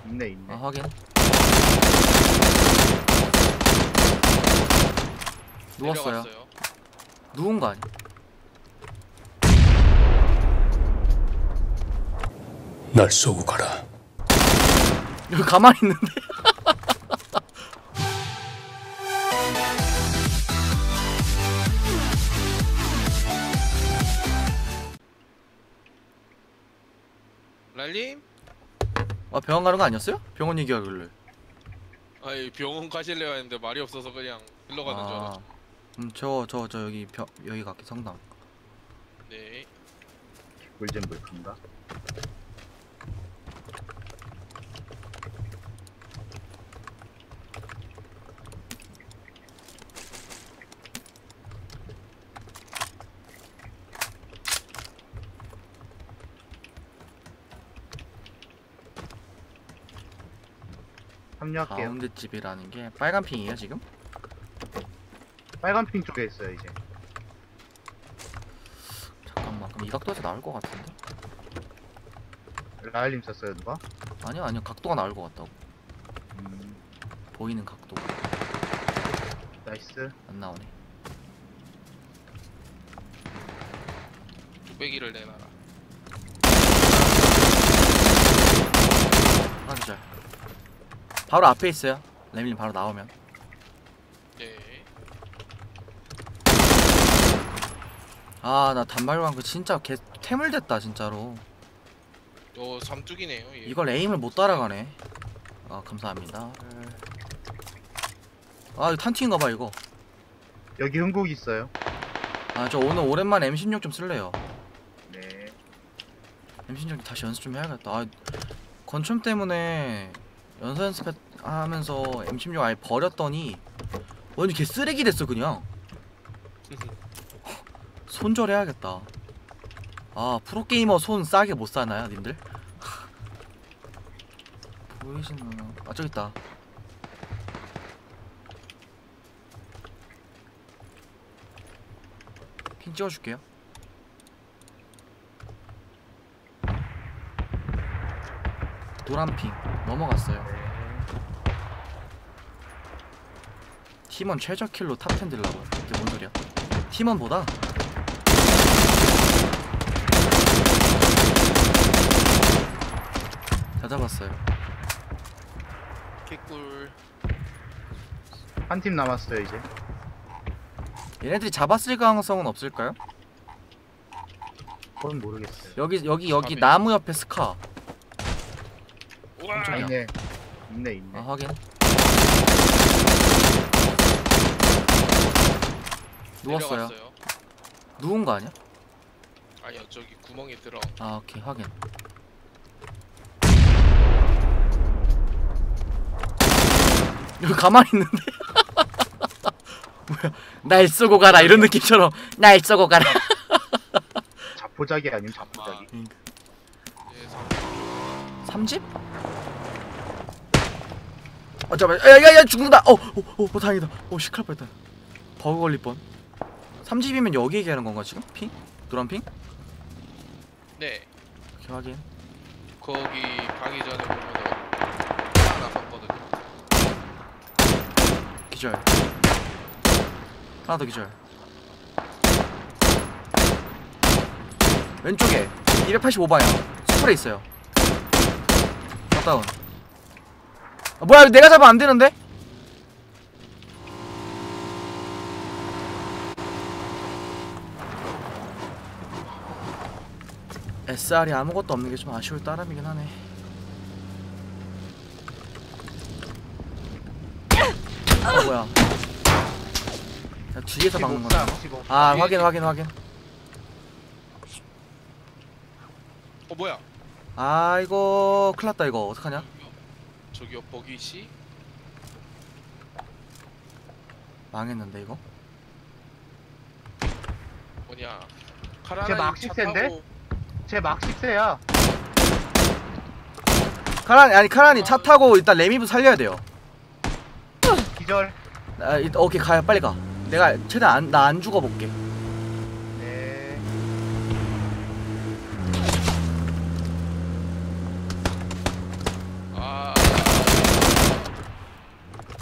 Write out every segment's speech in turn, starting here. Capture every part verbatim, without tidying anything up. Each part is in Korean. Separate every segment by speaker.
Speaker 1: 있네 있네.
Speaker 2: 아 확인. 누웠어요.
Speaker 3: 내려갔어요.
Speaker 2: 누운 거 아니야?
Speaker 4: 날 쏘고 가라.
Speaker 2: 여기 가만히 있는데?
Speaker 3: 랄님?
Speaker 2: 아 병원 가는 거 아니었어요? 병원 얘기하길래.
Speaker 3: 아이 병원 가실래요 했는데 말이 없어서 그냥 흘러가는 줄
Speaker 2: 아,
Speaker 3: 알았죠.
Speaker 2: 음, 저, 저, 저 여기 벼, 여기 갈게 성남.
Speaker 3: 네.
Speaker 1: 골젠 물큰가? 합류할게요.
Speaker 2: 가운데 집이라는 게 빨간 핑이에요 지금?
Speaker 1: 빨간 핑 쪽에 있어요 이제.
Speaker 2: 잠깐만, 그럼 이 각도에서 나올 것 같은데?
Speaker 1: 라일님 썼어요 누가?
Speaker 2: 아니요, 아니요, 각도가 나올 것 같다고.
Speaker 1: 음,
Speaker 2: 보이는 각도.
Speaker 1: 나이스.
Speaker 2: 안 나오네.
Speaker 3: 뚝배기를 내놔라.
Speaker 2: 하나 기절. 바로 앞에 있어요. 레밀님 바로 나오면.
Speaker 3: 네.
Speaker 2: 아, 나 단발광 그 진짜 개 태물됐다 진짜로.
Speaker 3: 어 삼뚝이네요. 얘.
Speaker 2: 이걸 에임을 못 따라가네. 아, 감사합니다. 아, 이거 탄티인가봐 이거.
Speaker 1: 여기 흥국 있어요.
Speaker 2: 아, 저 오늘 오랜만에 엠 십육 좀 쓸래요.
Speaker 1: 네.
Speaker 2: 엠 십육 다시 연습 좀 해야겠다. 아, 건춤 때문에 연서 연습하면서 엠 십육 아예 버렸더니 완전 개 쓰레기 됐어 그냥. 손절해야겠다. 아, 프로게이머 손 싸게 못 사나요 님들? 보이시나? 아, 저기 있다. 핀 찍어줄게요. 노란 핑 넘어갔어요. 팀원 최저 킬로 탑 텐 들라고. 이게 뭔 소리야? 팀원보다 다 잡았어요.
Speaker 3: 개꿀.
Speaker 1: 한 팀 남았어요 이제.
Speaker 2: 얘네들이 잡았을 가능성은 없을까요?
Speaker 1: 그건 모르겠어요.
Speaker 2: 여기 여기 여기
Speaker 3: 밤에.
Speaker 2: 나무 옆에 스카.
Speaker 3: 우와.
Speaker 1: 아,
Speaker 2: 깜짝이야.
Speaker 1: 있네. 있네 있네.
Speaker 2: 아, 확인. 누웠어요.
Speaker 3: 내려갔어요.
Speaker 2: 누운 거 아니야?
Speaker 3: 아니요 저기 구멍에 들어.
Speaker 2: 아, 오케이, 확인. 여기 가만히 있는데? 뭐야? 날 쏘고 가라 이런 느낌처럼 날 쏘고 가라.
Speaker 1: 자포자기 아니면 자포자기.
Speaker 2: 그러니까.
Speaker 3: 네, 삼.
Speaker 2: 삼 집? 어, 잠깐만. 야야야, 죽는다. 어, 어, 어, 어, 다행이다. 어, 시칼 뻔했다. 버그 걸릴 뻔. 삼 집이면 여기 얘기하는 건가 지금? 핑? 노란 핑?
Speaker 3: 네.
Speaker 2: 오케이, 확인.
Speaker 3: 거기 가기 전에 보면은 하나 섰거든요.
Speaker 2: 기절. 하나 더 기절. 왼쪽에 이백팔십오 방향 스프레이 있어요. 다운. 아, 뭐야, 내가 잡으면 안 되는데? 에스알이 아무것도 없는 게 좀 아쉬울 따름이긴 하네. 어, 뭐야? 야, 뒤에서 막는 거야. 아, 확인, 확인, 확인.
Speaker 3: 어 뭐야?
Speaker 2: 아, 이거 큰일 났다. 이거 어떡하냐?
Speaker 3: 저기요 버기씨?
Speaker 2: 망했는데 이거?
Speaker 3: 뭐냐?
Speaker 1: 제
Speaker 3: 카라나
Speaker 1: 막식세인데? 제 막식세야.
Speaker 2: 카란, 아니 카란이 차 타고 일단 레미브 살려야 돼요.
Speaker 1: 기절.
Speaker 2: 아, 일단 오케이, 가요. 빨리 가. 내가 최대한 안, 나 안 죽어볼게.
Speaker 1: 네.
Speaker 3: 아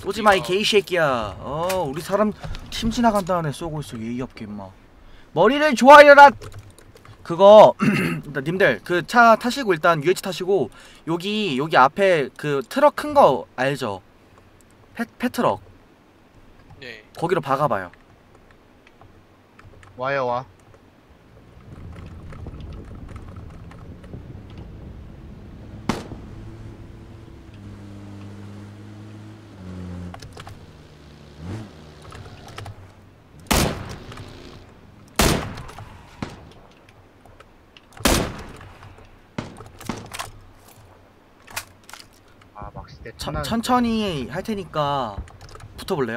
Speaker 2: 쏘지마 이 게이 새끼야. 어 우리 사람 팀 지나간다네 쏘고 있어 예의 없게 임마. 머리를 좋아해라. 그거 일단 님들 그 차 타시고 일단 유에이치 타시고 여기 여기 앞에 그 트럭 큰 거 알죠? 페, 페트럭
Speaker 3: 네.
Speaker 2: 거기로 박아봐요.
Speaker 1: 와요 와. 아 막시 때
Speaker 2: 천,
Speaker 1: 천안-
Speaker 2: 천천히 할 테니까 붙어볼래요?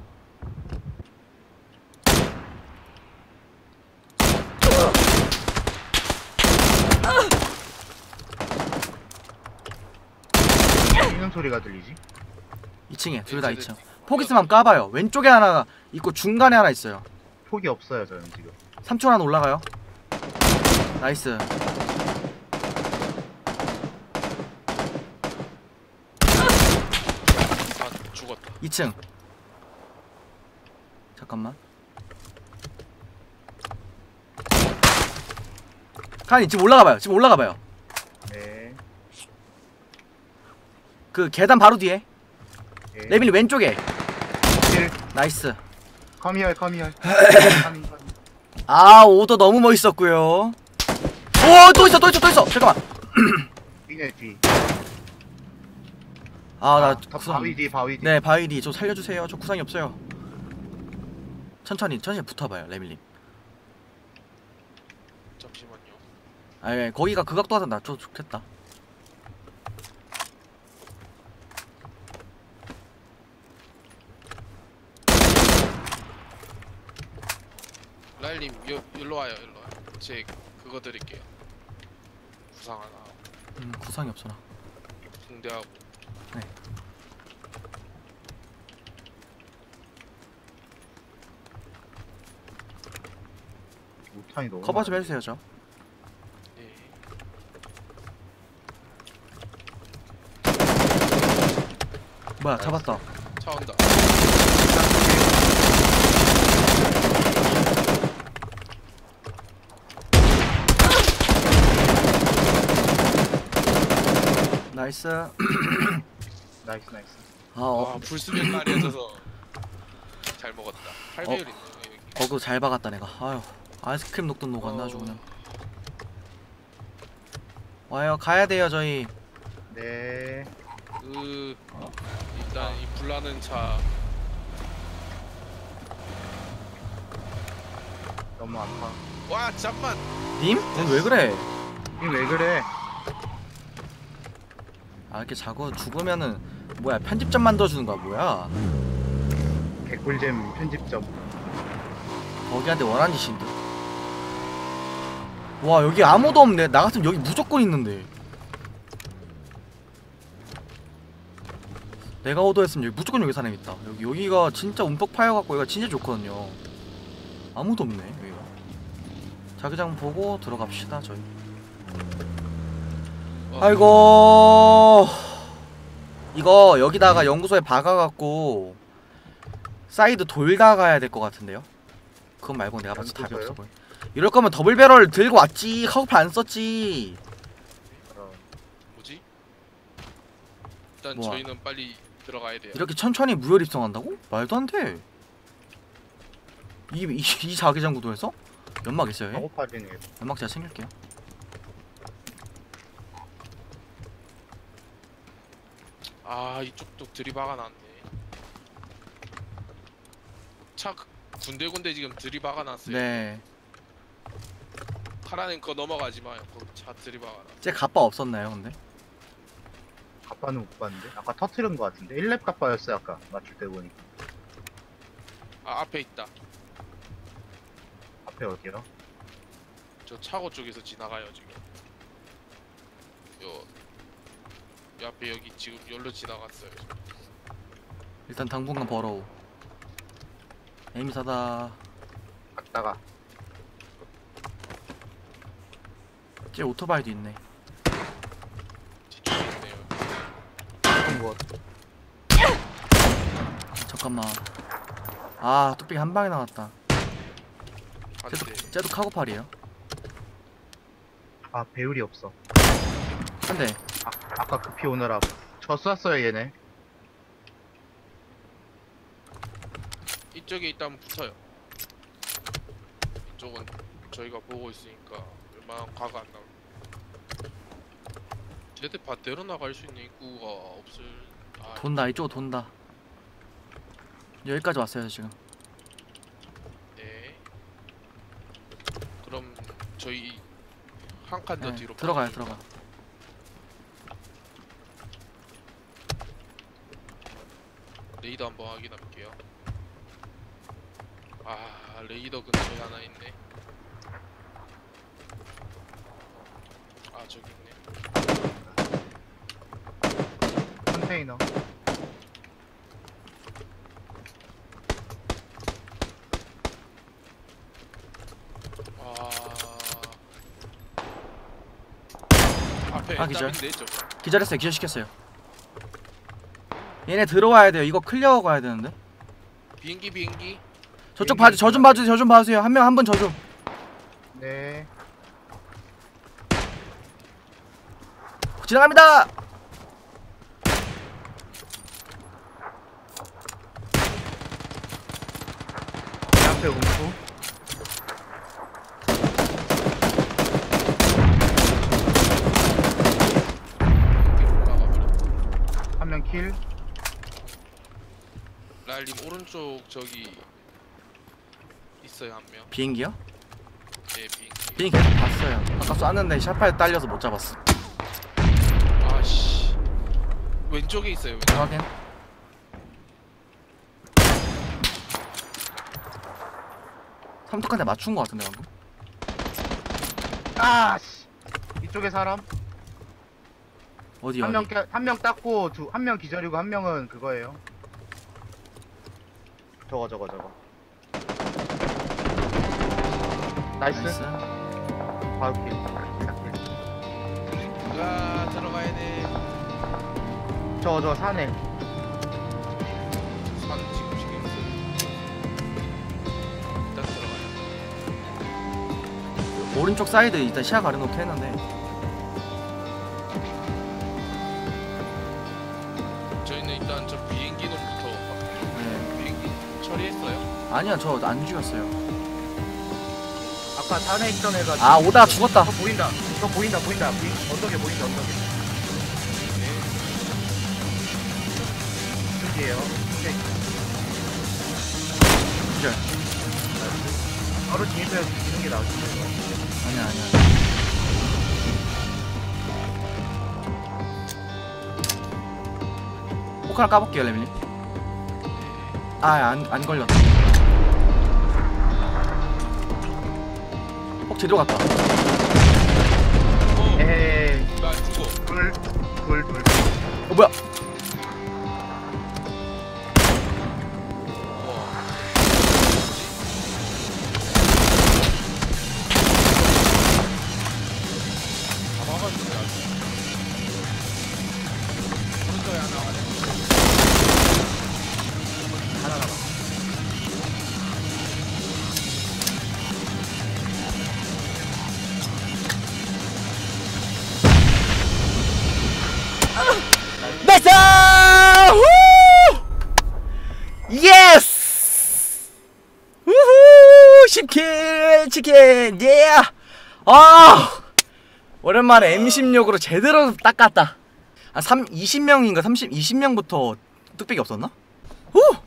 Speaker 1: 뛰는 소리가 들리지?
Speaker 2: 이 층에 둘 다
Speaker 3: 네,
Speaker 2: 이 층.
Speaker 3: 네, 네.
Speaker 2: 폭 있으면 까봐요. 왼쪽에 하나 있고 중간에 하나 있어요.
Speaker 1: 폭이 없어요 저는 지금.
Speaker 2: 삼 초 하나 올라가요. 나이스.
Speaker 3: 아 죽었다.
Speaker 2: 이 층. 잠깐만. 카니 지금 올라가봐요. 지금 올라가봐요.
Speaker 1: 네.
Speaker 2: 그 계단 바로 뒤에.
Speaker 1: 네.
Speaker 2: 레빈이 왼쪽에.
Speaker 1: 킬.
Speaker 2: 나이스.
Speaker 1: 커미얼 커미얼. 커미, 커미.
Speaker 2: 아 오더 너무 멋있었고요. 오 또 있어 또 있어 또 있어. 잠깐만.
Speaker 1: 뒤네 뒤.
Speaker 2: 아나
Speaker 1: 아, 다 바위 뒤 바위 뒤.
Speaker 2: 네 바위디 저 살려주세요. 저 구상이 없어요. 천천히 천천히 붙어봐요 레밀님.
Speaker 3: 잠시만요.
Speaker 2: 아 예, 거기가 그 각도 하다 나좀 좋겠다.
Speaker 3: 라일님 여 일로 와요 일로 와요. 제 그거 드릴게요. 구상 하나
Speaker 2: 음 구상이 없어 나.
Speaker 3: 붕대하고.
Speaker 2: 네.
Speaker 1: 우탄이 너무.
Speaker 2: 커버 좀
Speaker 1: 많아.
Speaker 2: 해주세요 저.
Speaker 3: 네.
Speaker 2: 뭐야 잡았다.
Speaker 3: 차 온다.
Speaker 2: 나이스.
Speaker 1: 나이스 나이스.
Speaker 2: 아 어,
Speaker 3: 와 불수면 깔이어져서 잘 먹었다. 팔 배율 있네 여기.
Speaker 2: 어그 잘 박았다 내가. 아유 아이스크림 녹든 녹았나 아주 그냥. 와요 가야 돼요 저희.
Speaker 1: 네.
Speaker 3: 그 일단 이 불나는 차
Speaker 1: 너무 아파.
Speaker 3: 와 잠만.
Speaker 2: 님? 넌 왜 그래?
Speaker 1: 이왜 그래?
Speaker 2: 아 이렇게 자고 죽으면은 뭐야 편집점 만들어주는 거야 뭐야?
Speaker 1: 개꿀잼 편집점.
Speaker 2: 거기한테 원한 짓인데. 와 여기 아무도 없네. 나 같으면 여기 무조건 있는데. 내가 오더했으면 여기 무조건 여기 사람 있다. 여기 여기가 진짜 움푹 파여갖고 여기가 진짜 좋거든요. 아무도 없네 여기가. 자기장 보고 들어갑시다 저희.
Speaker 3: 어,
Speaker 2: 아이고 이거 여기다가 연구소에 박아갖고 사이드 돌다 가야 될 것 같은데요? 그건 말고 내가 봐도 답이
Speaker 1: 연구소요?
Speaker 2: 없어 보여. 이럴 거면 더블 배럴 들고 왔지. 카우프 안 썼지.
Speaker 1: 어,
Speaker 3: 뭐지? 일단
Speaker 2: 뭐야?
Speaker 3: 저희는 빨리 들어가야 돼요.
Speaker 2: 이렇게 천천히 무혈 입성한다고? 말도 안 돼. 이, 이, 이 자기장 구도에서? 연막 있어요? 얘?
Speaker 1: 작업하지네.
Speaker 2: 연막 제가 챙길게요.
Speaker 3: 아 이쪽도 들이박아 놨네. 차 군데군데 지금 들이박아 놨어요.
Speaker 2: 네.
Speaker 3: 파라는 거 넘어가지 마요. 거기 차 들이박아 놨.
Speaker 2: 제 갑바 없었나요 근데?
Speaker 1: 갑바는 못 봤는데. 아까 터트린 거 같은데. 일 렙 갑바였어 아까 맞출 때 보니까.
Speaker 3: 아 앞에 있다.
Speaker 1: 앞에 어디요?
Speaker 3: 저 차고 쪽에서 지나가요 지금. 요, 요 앞에 여기 지금 열로 지나갔어요.
Speaker 2: 일단 당분간 벌어오. 에임사다.
Speaker 1: 갔다가.
Speaker 2: 쟤 오토바이도 있네.
Speaker 3: 뒤쪽에 있네요.
Speaker 1: 뭐
Speaker 2: 잠깐만. 아 뚝배기 한 방에 나갔다.
Speaker 3: 안돼.
Speaker 2: 쟤도 카고팔이에요.
Speaker 1: 아 배율이 없어.
Speaker 2: 한대.
Speaker 1: 아, 아까 급히 오느라 저 쐈어요 얘네.
Speaker 3: 이쪽에 있다면 붙어요. 이쪽은 저희가 보고 있으니까 웬만한 과가 안 나올. 쟤들 밭대로 나갈 수 있는 입구가 없을. 아,
Speaker 2: 돈다. 이쪽으로 돈다. 여기까지 왔어요 지금.
Speaker 3: 네. 그럼 저희 한 칸 더
Speaker 2: 네,
Speaker 3: 뒤로
Speaker 2: 들어가요
Speaker 3: 빠지니까.
Speaker 2: 들어가.
Speaker 3: 레이더 한번 확인할게요. 아 레이더 근처에 하나 있네. 아 저기 있네.
Speaker 1: 컨테이너.
Speaker 3: 아 앞에
Speaker 2: 아, 기절.
Speaker 3: 땀인데 저.
Speaker 2: 기절했어요. 기절시켰어요. 얘네 들어와야 돼요. 이거 클리어 가야 되는데.
Speaker 3: 비행기 비행기.
Speaker 2: 저쪽 봐주. 저 좀 봐주세요. 저 좀 봐주세요. 한 명 한 분 저 좀.
Speaker 1: 네.
Speaker 2: 지나갑니다.
Speaker 1: 내 앞에 움프.
Speaker 3: 비행기 올라가 버렸다.
Speaker 1: 한 명 킬.
Speaker 3: 라일님 오른쪽 저기 있어요 한 명.
Speaker 2: 비행기요?
Speaker 3: 네 비행기.
Speaker 2: 비행기 계속 봤어요. 아까 쐈는데 샷파에 딸려서 못 잡았어.
Speaker 3: 아씨 왼쪽에 있어요 왼쪽.
Speaker 2: 확인. 삼뚝한테 맞춘 거 같은데 방금.
Speaker 1: 아 씨. 이쪽에 사람.
Speaker 2: 어디
Speaker 1: 한
Speaker 2: 어디?
Speaker 1: 명 한 명 땄고 두 한 명 기절이고 한 명은 그거예요. 저거 저거 저거. 나이스.
Speaker 2: 나이스.
Speaker 1: 바로 킬.
Speaker 3: 아 들어가야 돼.
Speaker 1: 저거 저 산에.
Speaker 3: 산 지금 신경 쓰. 일단 들어가요.
Speaker 2: 오른쪽 사이드 일단 시야 가려놓고 했는데.
Speaker 3: 저희는 일단 저 비행기 놈부터
Speaker 2: 네.
Speaker 3: 비행기 처리했어요.
Speaker 2: 아니야 저 안 죽였어요.
Speaker 1: 아까 산에 있던 애가.
Speaker 2: 아 오다가 죽었다.
Speaker 1: 저 보인다. 저 보인다 보인다. 보인, 언덕에 보인다 언덕에. 이쪽이에요. 네.
Speaker 2: 기절.
Speaker 1: 바로 진입해서 죽이는 게 나을 거예요.
Speaker 2: 아니야 아니야. 폭 하나 까볼게요 레밀님. 아안 안 걸렸다. 폭 제대로 갔다.
Speaker 3: 어,
Speaker 1: 에이.
Speaker 3: 나 죽어.
Speaker 1: 둘, 둘, 둘.
Speaker 2: 어 뭐야?
Speaker 3: 와. 다 막았는데 아직. 오른쪽에 하나 가네.
Speaker 1: 하나 남아.
Speaker 2: 나이스! 후! 예스! 우후! 십 킬 치킨! 예! 아! 오랜만에 엠 십육으로 제대로 닦았다. 아, 삼, 이십 명인가 삼십, 이십 명부터 뚝배기 없었나? 후!